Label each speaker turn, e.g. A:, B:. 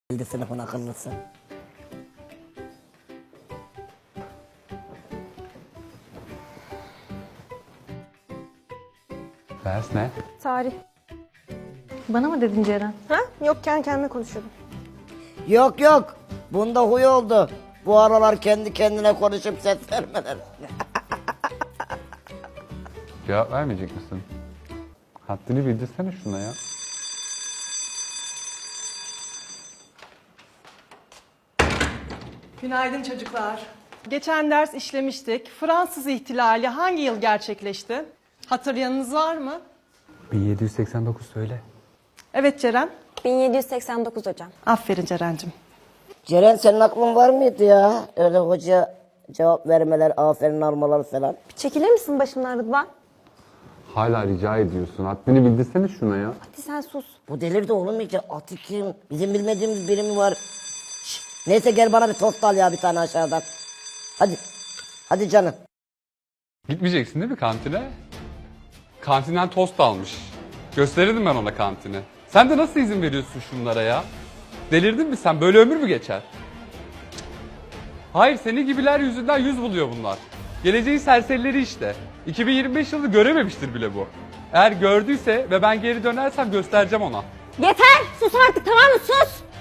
A: Geldi sınıfın akıllısı.
B: Ders ne?
C: Tarih.
D: Bana mı dedin Ceren?
C: Ha? Yok, kendi kendime konuşuyordum.
A: Yok yok. Bunda huy oldu. Bu aralar kendi kendine konuşup ses vermeler.
B: Cevap vermeyecek misin? Haddini bildirsene şuna ya.
E: Günaydın çocuklar. Geçen ders işlemiştik. Fransız ihtilali hangi yıl gerçekleşti? Hatırlayanınız var mı?
B: 1789 söyle.
E: Evet Ceren.
C: 1789 hocam.
E: Aferin Ceren'cim.
A: Ceren senin aklın var mıydı ya? Öyle hoca cevap vermeler, aferin almalar falan.
C: Bir çekilir misin başımdan Rıdvan?
B: Hala rica ediyorsun. Haddini bildirsene şuna ya.
C: Hadi sen sus.
A: Bu delirdi oğlum iyice. Atı kim? Bizim bilmediğimiz biri mi var? Şşt, neyse gel bana bir tost al ya bir tane aşağıdan. Hadi. Hadi canım.
B: Gitmeyeceksin değil mi kantine? Kantinden tost almış. Gösterirdim ben ona kantini. Sen de nasıl izin veriyorsun şunlara ya? Delirdin mi sen? Böyle ömür mü geçer? Hayır, senin gibiler yüzünden yüz buluyor bunlar. Geleceğin serserileri işte. 2025 yılını görememiştir bile bu. Eğer gördüyse ve ben geri dönersem göstereceğim ona.
C: Yeter! Sus artık, tamam mı? Sus!